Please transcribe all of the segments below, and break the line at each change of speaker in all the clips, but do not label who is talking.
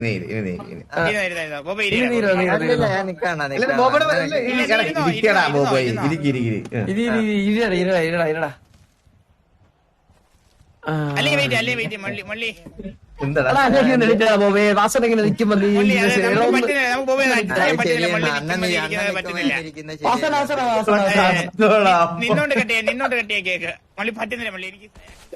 വാസനെങ്ങനെ നിൽക്കുമ്പോ
നിന്നോണ്ട് കെട്ടിയ കേക്ക് മള്ളി പറ്റുന്നില്ല മള്ളി എനിക്ക്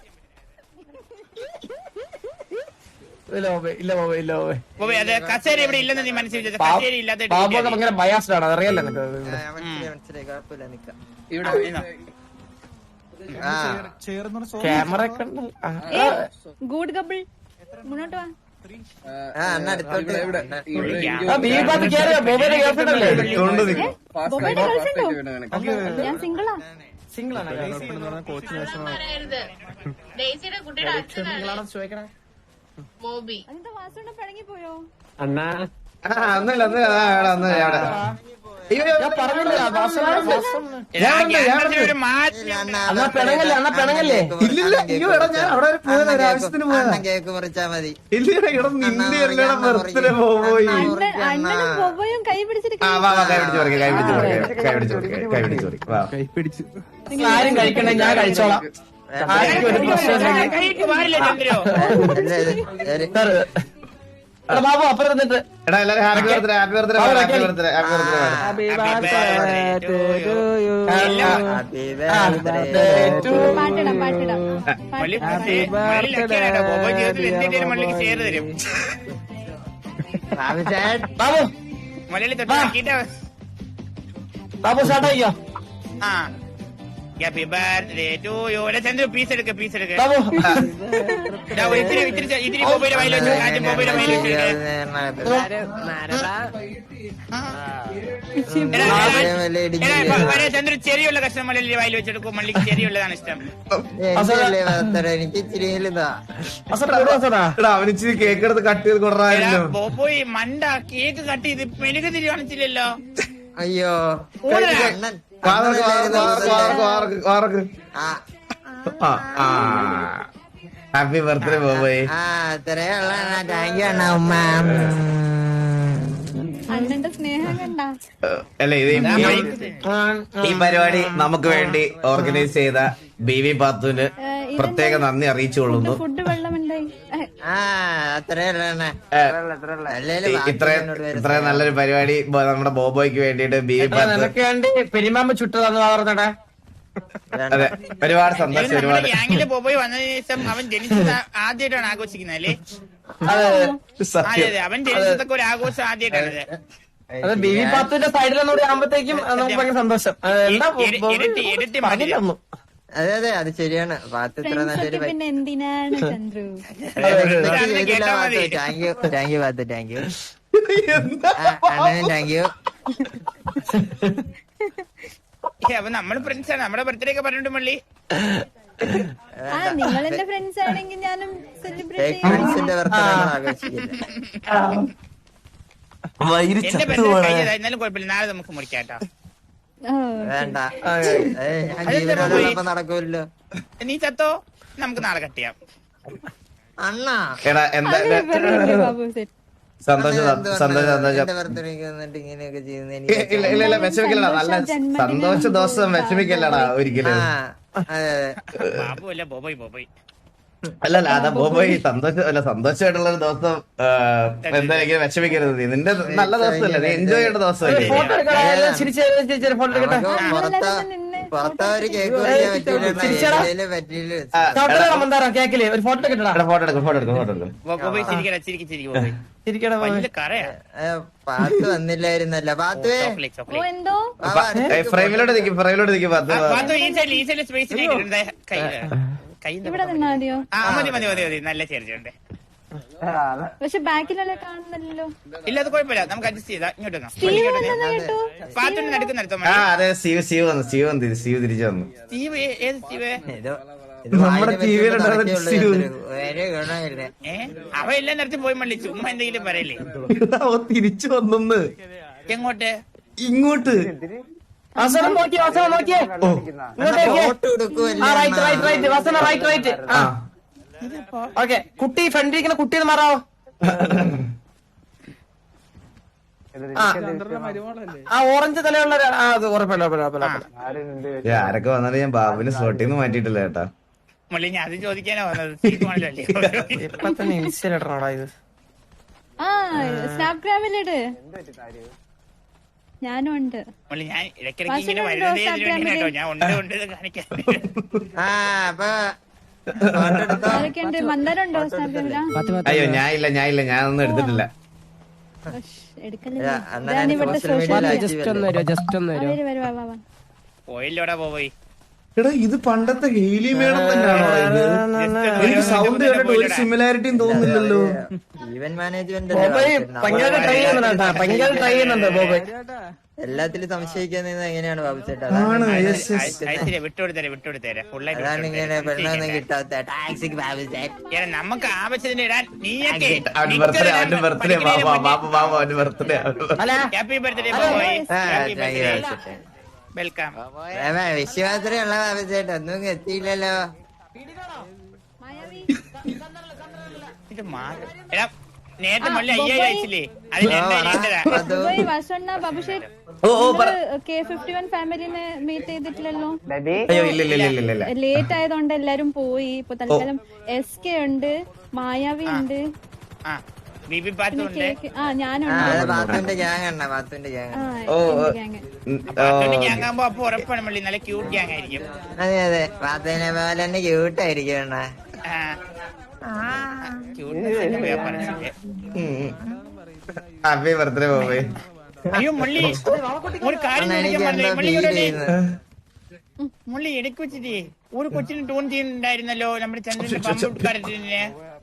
കസേര ഇവിടെ ഇല്ലെന്ന് നീ മനസ്സിലാക്കി കസേര ഇല്ലാത്ത
ഭയങ്കര ബയാസ്ഡാണ് അതറിയാലോ ക്യാമറ
ഗുഡ് കപ്പിൾ മുന്നോട്ട് വാ ഞാൻ സിംഗിളാ ചോദിക്കണേ എന്താ വാസുണ്ണ പിണങ്ങി പോയോ
അണ്ണാ പെണങ്ങല്ലേ
ഇല്ലില്ല അയ്യോ എടാ ഞാൻ അവിടെ വരെ പോയത് ഒരു ആവശ്യത്തിന് പോയതാ
കേക്ക് മുറിച്ചാ മതി
ഇല്ലടാ ഇവിടെ നിന്റെ എല്ലാം ബർത്ത്ഡേ പോയി
അണ്ണനും ബൊബയും കൈ പിടിച്ചിട്ട്
കൈ പിടിച്ചു
ആരും കഴിക്കണേ ഞാൻ കഴിച്ചോളാം ആർക്കും ഒരു പ്രശ്നം ബാബു അപ്പുറം നിന്നിട്ട്
എടാ എല്ലാരും happy birthday happy birthday happy birthday happy
പാട്ടിടാം പാട്ടിടാം
മള്ളിക്ക് ഷെയർ തരും
ബാബു
മലയാളി
ബാബു സ്റ്റാർട്ട് ആയിക്കോ
happy birthday to you Chandru piece എടുക്ക
ബാബു
ഇത്തിരി മൊബൈല് വയൽ വെച്ചു കാറ്റ് മൊബൈല് വയൽ വെച്ചു ചന്ദ്രു ചെറിയുള്ള കഷ്ണം മലയാളി വയൽ വെച്ചെടുക്കും മള്ളിക്ക് ചെറിയുള്ളതാണ് ഇഷ്ടം
എനിക്ക് ഇച്ചിരി
അവന് ഇച്ചിരി കേക്ക് എടുത്ത് കട്ട് ചെയ്ത് കൊടുറായിരുന്നു
പോയി മണ്ട കേക്ക് കട്ട് ചെയ്ത് മെഴുകു തിരി കാണിച്ചില്ലല്ലോ
അയ്യോ
ഹാപ്പി ബർത്ത്ഡേ ബോബോയ്
അത്രയുള്ള താങ്ക് യു അണ്ണ ഉമ്മ
അണ്ണന്റെ സ്നേഹം കണ്ട
അല്ല ഇത് ഈ പരിപാടി നമുക്ക് വേണ്ടി ഓർഗനൈസ് ചെയ്ത ബീവി പാത്തുവിന് പ്രത്യേക നന്ദി അറിയിച്ചുകൊള്ളുന്നു.
ഫുഡ് വെള്ളമുണ്ടായി
ഇത്രയും നല്ലൊരു പരിപാടി നമ്മുടെ ബോബോയ്ക്ക് വേണ്ടിട്ട് ബീവി പാത്തു
പെരുമാമ്പ ചുട്ടതാന്ന് പറഞ്ഞടാ.
അതെ ഒരുപാട് സന്തോഷം. ഒരുപാട്
ഗ്യാങ്ങില് ബോബോയ് വന്നതിന് ശേഷം അവൻ ജനിച്ചത് ആദ്യമായിട്ടാണ് ആഘോഷിക്കുന്നത് അല്ലേ? അതെ അവൻ ജനിച്ചതൊക്കെ ഒരു ആഘോഷം ആദ്യമായിട്ടാണ്.
അത് ബീവി പാത്തുവിന്റെ സൈഡിലൊന്നുകൂടി ആകുമ്പോഴത്തേക്കും നമുക്ക് ഭയങ്കര സന്തോഷം.
ഇരട്ടി മതി.
അതെ അതെ അത് ശരിയാണ്. പാത്ത് ഇത്ര നല്ലൊരു
പിന്നെ എന്തിനാണ് Chandru
thank you Pathu thank you അണ്ണനും താങ്ക് യു.
അപ്പൊ നമ്മള് ഫ്രണ്ട്സാണ്. നമ്മുടെ ബർത്ത്ഡേ ഒക്കെ പറഞ്ഞിട്ട് മള്ളി
നിങ്ങൾ എന്റെ ഫ്രണ്ട്സ് ആണെങ്കിൽ ഞാനും സെലിബ്രേറ്റ്
ഫ്രണ്ട്സിന്റെ ബർത്ത്ഡേ ആഘോഷിക്കില്ല.
എന്റെ ബർത്ത്ഡേ എന്നാലും കുഴപ്പമില്ല. നാളെ നമുക്ക് മുറിക്കാട്ടോ.
വേണ്ട ജീവനോടൊപ്പം നടക്കൂല്ലോ.
നീ ചത്തോ നമുക്ക് നാളെ കട്ട് ചെയ്യാം.
അണ്ണാ
എടാ എന്താ സന്തോഷം
ഇങ്ങനെയൊക്കെ
ഇല്ല വിഷമിക്കല്ലടാ. നല്ല സന്തോഷ ദിവസം വിഷമിക്കല്ലടാ ഒരിക്കലും.
ബാബു അല്ല ബോബോയ് ബോബോയ്
അല്ലല്ല അതാ ബോബോയ് സന്തോഷമായിട്ടുള്ള ഒരു ദിവസം എന്തായാലും വിഷമിക്കരുത്. നിന്റെ നല്ല ദിവസമല്ലേ, നീ എൻജോയ് ചെയ്യേണ്ട ദിവസമല്ലേ.
പുറത്തവര് കേക്ക്
ഫോട്ടോ
പാത്ത് വന്നില്ലായിരുന്നല്ല. പാത്തുവേ
എന്തോ
ഫ്രെയിമിലോട്ട് നിൽക്കും
ഇവിടെ നിന്നാ മതിയോ?
മതി മതി മതി മതി. നല്ല ചേർച്ചയുണ്ട്.
പക്ഷെ ബാക്കിലല്ലേ കാണുന്നില്ലല്ലോ.
ഇല്ല അത് കുഴപ്പമില്ല, നമുക്ക് അഡ്ജസ്റ്റ് ചെയ്താ. ഇങ്ങോട്ട് പാത്തുണ്ട് നടക്കുന്ന നടത്തോ.
അതെ സ്റ്റീവ് തിരിച്ചു വന്നു.
സ്റ്റീവ് ഏത് സ്റ്റീവ്?
നമ്മുടെ
അവ എല്ലാം നടത്തി പോയി മള്ളി. ചുമ്മാ എന്തെങ്കിലും പറയല്ലേ.
തിരിച്ചു വന്നു.
എങ്ങോട്ട്?
ഇങ്ങോട്ട്.
കുട്ടി ഫ്രണ്ടിരിക്കുന്ന കുട്ടി മാറാവോ? ആ ഓറഞ്ച് തലയുള്ള അത് ഉറപ്പല്ല.
ആരൊക്കെ വന്നാലും ഞാൻ ബാബുവിന് സ്പോട്ടിൽ നിന്ന് മാറ്റിയിട്ടില്ല കേട്ടാ.
മുള്ളി ഞാൻ അത് ചോദിക്കാനാ വന്നത്.
ഇപ്പൊ തന്നെ ഇൻസ്റ്റയിലിടണോടാ ഇത്.
ആ സ്നാപ്ഗ്രാമിലിട്. ഞാനും ഉണ്ട്.
മുള്ളി ഞാൻ ഇടയ്ക്കിടയ്ക്ക് ഇങ്ങനെ വരുന്നതേ ഇതിന് വേണ്ടിയാ കേട്ടോ. ഞാൻ ഉണ്ട് കാണിക്കാൻ.
ആരൊക്കെയുണ്ട്? മന്ദാരുണ്ടോ സ്നാപ്ഗ്രാമിലാ?
അയ്യോ ഞാനൊന്നും എടുത്തിട്ടില്ല.
എടുക്കല്ലേ
പോയില്ലോടാ പോയി.
എടാ ഇത് പണ്ടത്തെ ഹെയിലി മേളം തന്നെയാണോ ഇത്? എനിക്ക് സൗണ്ട് കേട്ടിട്ട് ഒരു സിമിലാരിറ്റിയും തോന്നുന്നില്ലല്ലോ.
ഈവന്റ് മാനേജ്മെന്റ്
ഭയങ്കര ട്രൈ ചെയ്യുന്നുണ്ട് ബോബോയ്.
എല്ലാത്തിലും സംശയിക്കാൻ എങ്ങനെയാണ് ബാബു ചേട്ടാ?
വിട്ടുകൊടുത്തേരെ
അതാണ് ഇങ്ങനെ പെണ്ണൊന്നും കിട്ടാത്ത ടാക്സിക് ബാബു ചേട്ടാ.
നമുക്ക് ആവശ്യത്തിന് ഇടാൻ നീയൊക്കെ
അവന്റെ birthday happy birthday
happy birthday welcome.
വിശ്വാസമുള്ള ബാബു ചേട്ടാ ഒന്നും എത്തിയില്ലല്ലോ.
ഇത് മാറും. എടാ നേരത്തെ മള്ളി 5000 അയച്ചില്ലേ? അതിന്
K51 ഫാമിലിനെ മീറ്റ് ചെയ്തിട്ടില്ലല്ലോ.
അയ്യോ ഇല്ല.
ലേറ്റ് ആയതുകൊണ്ട് എല്ലാരും പോയി. ഇപ്പൊ തൽക്കാലം SK ഉണ്ട്, മായാവി ഉണ്ട്, ഞാനുണ്ട്.
ബാത്തുവിന്റെ ഗ്യാങ് ആണ്. ബാത്തുവിന്റെ ഗ്യാങ്.
ഗ്യാങ്ങാകുമ്പോ അപ്പൊ ഉറപ്പാണ് മള്ളി നല്ല ക്യൂട്ട് ഗ്യാങ് ആയിരിക്കും.
അതെ ബാത്തുവിനെ പോലെ തന്നെ ക്യൂട്ട് ആയിരിക്കും.
ഹാപ്പി ബർത്ത്ഡേ ബോബേ.
അയ്യോ മുള്ളി ഒരു കാര്യം മുള്ളി ഇടയ്ക്ക് വെച്ചിട്ട് ഒരു കൊച്ചിന് ടൂൺ ചെയ്യുന്നുണ്ടായിരുന്നല്ലോ നമ്മുടെ ചന്ദ്രന്റെ പമ്പുകാരത്തിന്.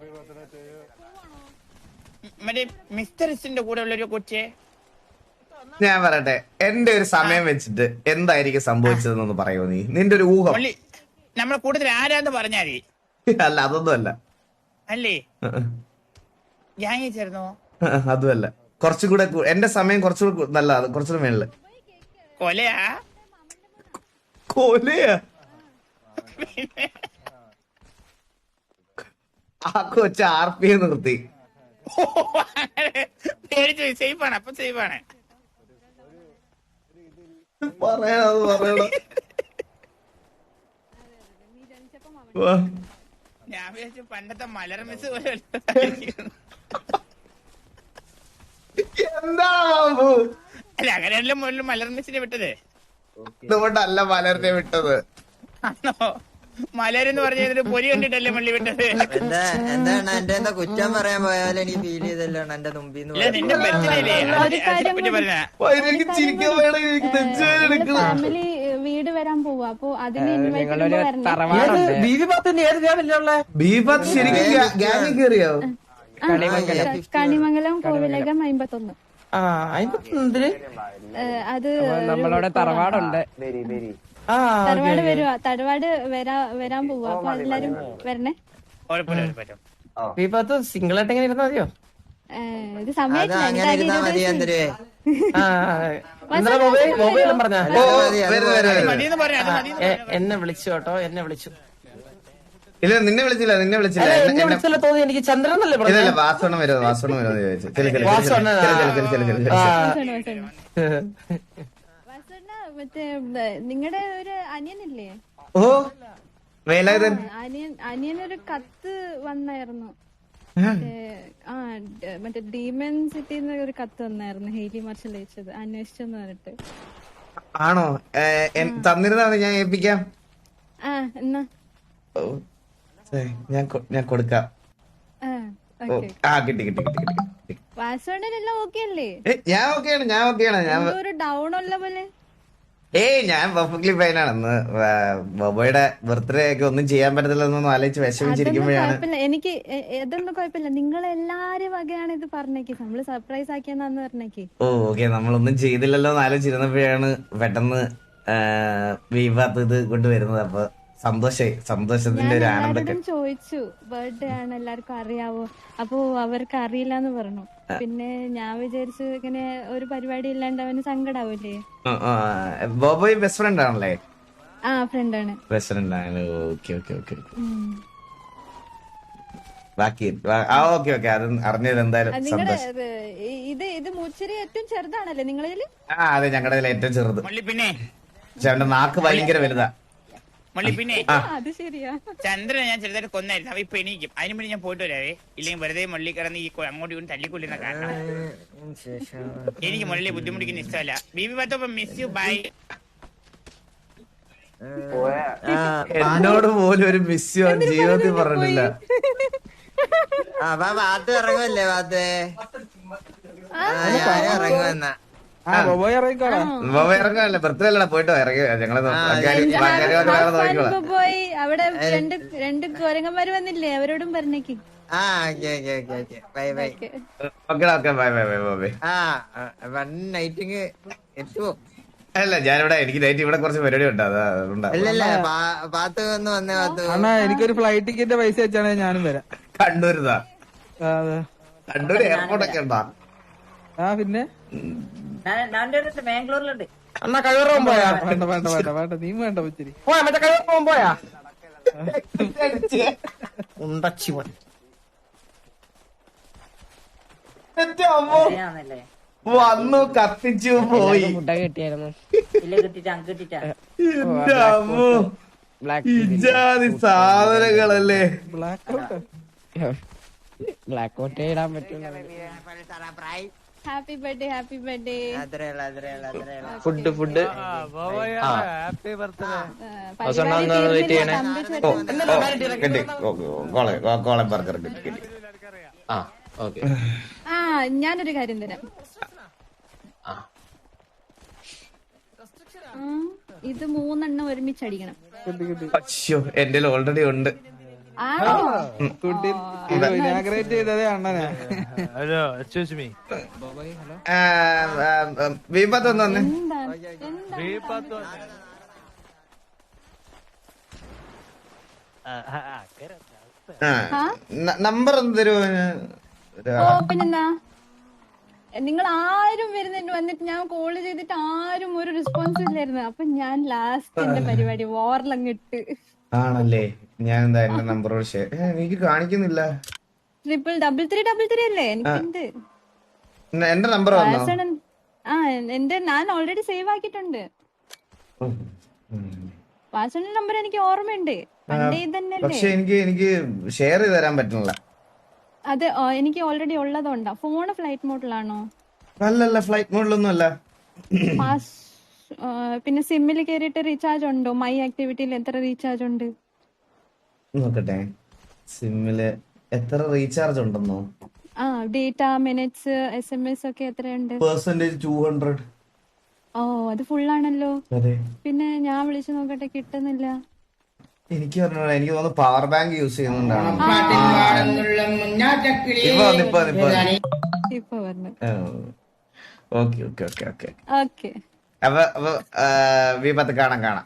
മറ്റേ മിസ്റ്റർ ഇസിന്റെ കൂടെ ഉള്ള ഒരു കൊച്ചെ.
ഞാൻ പറയട്ടെ, എന്റെ ഒരു സമയം വെച്ചിട്ട് എന്തായിരിക്കും സംഭവിച്ചതെന്നൊന്ന് പറയുമോ നീ? നിന്റെ ഒരു ഊഹം.
നമ്മളെ കൂടുതൽ ആരാന്ന് പറഞ്ഞാല്.
അല്ല അതൊന്നും അല്ല.
അല്ലേ ഗ്യാങ്ങി ചേർന്നോ?
അതുമല്ല. കുറച്ചുകൂടെ എന്റെ സമയം കുറച്ചുകൂടെ നല്ല കുറച്ചുകൂടെ മേളില്.
കൊലയാ?
ആ കൊച്ച RP നിർത്തി.
പേടിച്ചു. സേഫാണ്. അപ്പൊ സേഫാണ്.
പറയണ
ഞാൻ വിചാരിച്ചു പണ്ടത്തെ മലർ മിസ് പോലെ.
എന്താ
അല്ല അങ്ങനെയല്ല മുകളിൽ മലർ മിസ്സിനെ വിട്ടത്.
ഇതുകൊണ്ടല്ല മലറിനെ വിട്ടത്.
ആണോ? മലരെന്ന് പറഞ്ഞ പൊരി കണ്ടിട്ടല്ലേ മള്ളി വിട്ടത്.
എന്താണ് എന്റെ എന്താ കുറ്റം പറയാൻ പോയാലും എനിക്ക് ഫീൽ ചെയ്തല്ലോ എന്റെ മുമ്പിന്ന്.
നിന്റെ ബർത്ത്ഡേ
ഫാമിലി വീട് വരാൻ പോവാ. അപ്പൊ അതിന് കണിമംഗലം കോവിലകം 51. അത്
നമ്മളവിടെ തറവാടുണ്ട്.
തറവാട് വരുവാ. തറവാട് വരാൻ പോവാ. അപ്പൊ എല്ലാരും വരണേ.
സിംഗിൾ ആയിട്ട് എങ്ങനെ ഇരുന്നാ മതിയോ?
ഇത് സമയത്തില്ല.
എന്നെ വിളിച്ചു കേട്ടോ. എന്നെ വിളിച്ചു.
ഇല്ല നിന്നെ വിളിച്ചില്ല.
എന്നെ വിളിച്ചല്ലോ തോന്നി. എനിക്ക് ചന്ദ്രൻ എന്നല്ലേ
പറഞ്ഞത്. വാസവണ്ണം വരുമോ ചോദിച്ചു.
മറ്റേ നിങ്ങളുടെ ഒരു അനിയനില്ലേ?
ഓ വേലായുധൻ.
അനിയനൊരു കത്ത് വന്നായിരുന്നു. മറ്റേ ഡീമൻ സിറ്റിന്ന് ഒരു കത്ത് വന്നായിരുന്നു. ഹെയ്ലി മാർഷൽ അയച്ചത് അന്വേഷിച്ചെന്ന് പറഞ്ഞിട്ട്.
ആണോ? തന്നിരുന്നാണ് ഞാൻ ഏൽപ്പിക്കാം.
എന്നാ
ഞാൻ കൊടുക്കാം. കിട്ടി.
വാസോണ്ടെല്ലാം ഓക്കെ അല്ലേ?
ഞാൻ ഓക്കെയാണ്.
ഒരു ഡൗൺ ഉള്ള പോലെ.
ഞാൻ പെർഫെക്റ്റ്ലി ഫൈനാണ്. ബോബോയുടെ ബർത്ത്ഡേ ഒക്കെ ഒന്നും ചെയ്യാൻ പറ്റത്തില്ലെന്നൊന്നും ആലോചിച്ച് വിഷമിച്ചിരിക്കുമ്പോഴാണ്.
എനിക്ക് ഇതൊന്നും കുഴപ്പമില്ല. നിങ്ങൾ എല്ലാരും വകയാണ് ഇത് പറഞ്ഞേക്ക്. നമ്മള് സർപ്രൈസ് ആക്കിയെന്നാന്ന് പറഞ്ഞേക്ക്.
ഓക്കെ നമ്മളൊന്നും ചെയ്തില്ലല്ലോ എന്ന് ആലോചിച്ചിരുന്നപ്പോഴാണ് പെട്ടെന്ന് വിവാദം ഇത് കൊണ്ടുവരുന്നത്. അപ്പൊ സന്തോഷത്തിന്റെ ഒരു ആനന്ദം.
ചോദിച്ചു ബർത്ത്ഡേ ആണ് എല്ലാവർക്കും അറിയാവോ? അപ്പൊ അവർക്ക് അറിയില്ലാന്ന് പറഞ്ഞു. പിന്നെ ഞാൻ വിചാരിച്ചു ഇങ്ങനെ ഒരു പരിപാടി ഇല്ലാണ്ട് അവന് സങ്കടാവൂലേ.
ബോബോയ് ബെസ്റ്റ് ഫ്രണ്ട് ആണല്ലേ?
ഫ്രണ്ട് ആണ്.
ബെസ്റ്റ് ഫ്രണ്ട് ആണ്. ഓക്കെ. ബാക്കി ഓക്കെ അത് അറിഞ്ഞത് എന്തായാലും
നിങ്ങളുടെ
സന്തോഷം.
ഇത് മുച്ചിരി ഏറ്റവും ചെറുതാണല്ലേ നിങ്ങളിൽ?
അതെ ഞങ്ങളുടെ ഏറ്റവും ചെറുത്.
മുള്ളി പിന്നെ
പക്ഷെ അവന്റെ നാക്ക് ഭയങ്കര വലുതാ.
മുള്ളി പിന്നെ
അത് ശരിയാ.
ചന്ദ്രനെ ഞാൻ ചെറുതായിട്ട് കൊന്നായിരുന്നു. അവ ഇപ്പൊ എണീക്കും. അതിന് വേണ്ടി ഞാൻ പോയിട്ട് വരാവേ. ഇല്ലെങ്കിൽ വെറുതെ മുള്ളി കിടന്ന് ഈ അങ്ങോട്ട് ഇങ്ങോട്ട് തല്ലിക്കൊള്ളുന്ന കാരണം എനിക്ക് മുള്ളിയെ ബുദ്ധിമുട്ടിക്കുന്ന ഇഷ്ടമല്ല. ബീബി പത്തോ മിസ് യു ബൈ.
എന്നോട് പോലും ഒരു മിസ് യു ജീവിതത്തിൽ പറഞ്ഞിട്ടില്ല.
ഭാഗത്ത് ഇറങ്ങുമല്ലേ ഭാഗത്ത് ഇറങ്ങുമെന്ന
ഇറങ്ങാനല്ലേ ബർത്ത്ഡേ അല്ലടാ പോയിട്ടോ ഇറങ്ങി ഞങ്ങള് നോക്കിക്കോളാം.
പോയി അവിടെ രണ്ട് കോരങ്ങന്മാര് വന്നില്ലേ, അവരോടും പറഞ്ഞേക്ക്.
Bye bye.
Okay bye bye bye bye.
നൈറ്റിങ് എത്തുവോ?
അല്ല ഞാനിവിടെ എനിക്ക് നൈറ്റ് ഇവിടെ കുറച്ച് പരിപാടി ഉണ്ട് അതുകൊണ്ടാ.
അല്ലല്ല ഭാഗത്ത് വന്ന് വന്നേ ഭാഗത്ത്.
അണ്ണാ എനിക്കൊരു ഫ്ലൈറ്റ് ടിക്കറ്റ് പൈസ വെച്ചാണെങ്കിൽ ഞാനും വരാം.
കണ്ണൂരുതാ?
അതെ.
കണ്ണൂർ എയർപോർട്ട് ഒക്കെ ഉണ്ടാ?
പിന്നെ
ബാംഗ്ലൂരിലുണ്ട്. അണ്ണാ കഴിവറവും പോയാ?
വേണ്ട വേണ്ട വേണ്ട വേണ്ട നീ വേണ്ട ഉച്ചിരി
പോയാ മറ്റേ കഴിവറവും പോയാ?
ഉണ്ടച്ചിവൻ
വന്നു കത്തിച്ചു പോയി.
ഫുഡൊക്കെ കിട്ടിയായിരുന്നു.
എന്റെ അമ്മോ ഇജാതി സാധനങ്ങളല്ലേ.
ബ്ലാക്ക് ഔട്ട് ഇടാൻ പറ്റില്ല.
Happy birthday, happy birthday.
Food
കോളെ ബർഗർ കിട്ടി.
ഞാനൊരു കാര്യം തരാം. ഇത് 3 ഒരുമിച്ചടിക്കണം.
അയ്യോ എന്റെ ഓൾറെഡി ഉണ്ട്.
ഇനാഗ്രേറ്റ് ചെയ്തതേ അണ്ണനാ.
Hello excuse me.
വീപ്പത്ത് ഒന്ന് വന്നേ. നമ്പർ ഒന്ന് തരുമോ?
പിന്നെന്താ, നിങ്ങൾ ആരും വന്നിട്ട് ഞാൻ കോള് ചെയ്തിട്ട് ആരും ഒരു റെസ്പോൺസ് ഇല്ലായിരുന്നു. അപ്പൊ ഞാൻ ലാസ്റ്റ് എന്റെ പരിപാടി വോറിലങ്ങിട്ട്.
ആണല്ലേ? ഞാൻ എന്താ എന്റെ നമ്പറോട് ഷെയർ എനിക്ക് കാണിക്കുന്നില്ല.
3333 അല്ലേ എനിക്കുണ്ട്.
എന്റെ നമ്പർ വന്നോ?
ഞാൻ ഓൾറെഡി സേവ് ആക്കിയിട്ടുണ്ട്. വാസന്റെ നമ്പർ എനിക്ക് ഓർമ്മയുണ്ട്.
പക്ഷെ എനിക്ക് ഷെയർ ചെയ്ത് തരാൻ പറ്റുന്നില്ല.
അത് എനിക്ക് ഓൾറെഡി ഉള്ളതുകൊണ്ടാ. ഫോണ് ഫ്ലൈറ്റ് മോഡിലാണോ?
അല്ലല്ല ഫ്ലൈറ്റ് മോഡിലൊന്നും അല്ല.
പിന്നെ സിമ്മിൽ കേറിയിട്ട് റീചാർജ് ഉണ്ടോ? മൈ ആക്ടിവിറ്റിയിൽ എത്ര റീചാർജ് ഉണ്ട്
നോക്കട്ടെ. സിമ്മില് എത്ര റീചാർജ് ഉണ്ടെന്നോ?
ഡേറ്റ, മിനിറ്റ്സ്, SMS ഒക്കെ എത്രയുണ്ട്?
%200.
അത് ഫുള്ളാണല്ലോ.
അതെ.
പിന്നെ ഞാൻ വിളിച്ചു നോക്കട്ടെ, കിട്ടുന്നില്ല.
എനിക്ക് തോന്നുന്നു പവർ ബാങ്ക് യൂസ് ചെയ്യുന്നുണ്ടാണ്.
ഇപ്പൊ പറഞ്ഞു.
ഓക്കെ അപ്പൊ വീപ്പത്ത് കാണാം.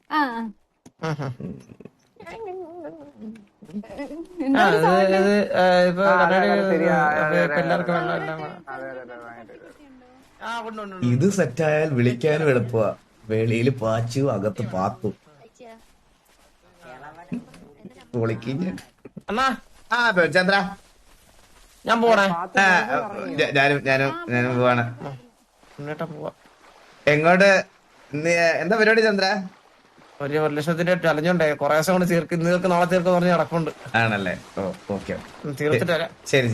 ഇത് സെറ്റായാൽ വിളിക്കാനും എളുപ്പമാ. വെളിയിൽ പാച്ചു, അകത്ത് പാത്തു. ചന്ദ്ര
ഞാൻ പോണേ.
ഞാനും പോവാണ്. എങ്ങോട്ട്? എന്താ പരിപാടി ചന്ദ്ര?
ഒരു ലക്ഷത്തിന്റെ ചലഞ്ചുണ്ടേ. കൊറേ ദിവസം കൊണ്ട് തീർക്ക് നാളെ തീർക്ക് പറഞ്ഞ് നടക്കുന്നുണ്ട്.
ആണല്ലേ? ഓക്കെ
തീർത്തിട്ട് വരാം.
ശരി.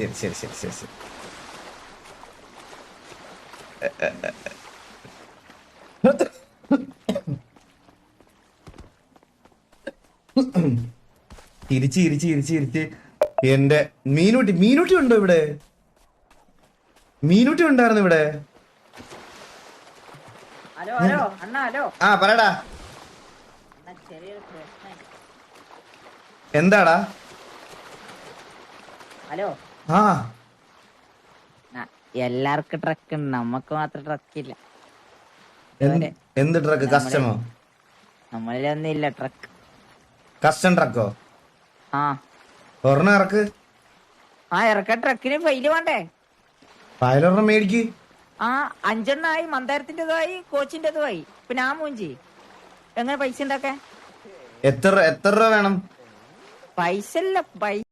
ഇരിച്ച് എന്റെ മീനൂട്ടി ഉണ്ടോ ഇവിടെ? മീനൂട്ടി ഉണ്ടായിരുന്നു ഇവിടെ. പറയടാ. എന്താടാ?
ഹലോ. എല്ലാവർക്കും ട്രക്ക് ഉണ്ട്, നമ്മക്ക് മാത്രം ട്രക്കില്ല.
എന്ത് ട്രക്ക്? കസ്റ്റമോ?
നമ്മളിലൊന്നും ഇല്ല ട്രക്ക്.
കസ്റ്റം ട്രക്കോ? ഒരെണ്ണം ഇറക്ക്.
ഇറക്ക. ട്രക്കിന് ഫൈല് വേണ്ടേ?
ഫയലൊരെണ്ണം മേടിക്ക്.
5 എണ്ണമായി. മന്ദാരത്തിന്റേതുമായി, കോച്ചിന്റേതുമായി. പിന്നെ മൂഞ്ചി എങ്ങനെ പൈസ ഉണ്ടാക്കാൻ?
എത്ര രൂപ വേണം?
പൈസ ഇല്ല.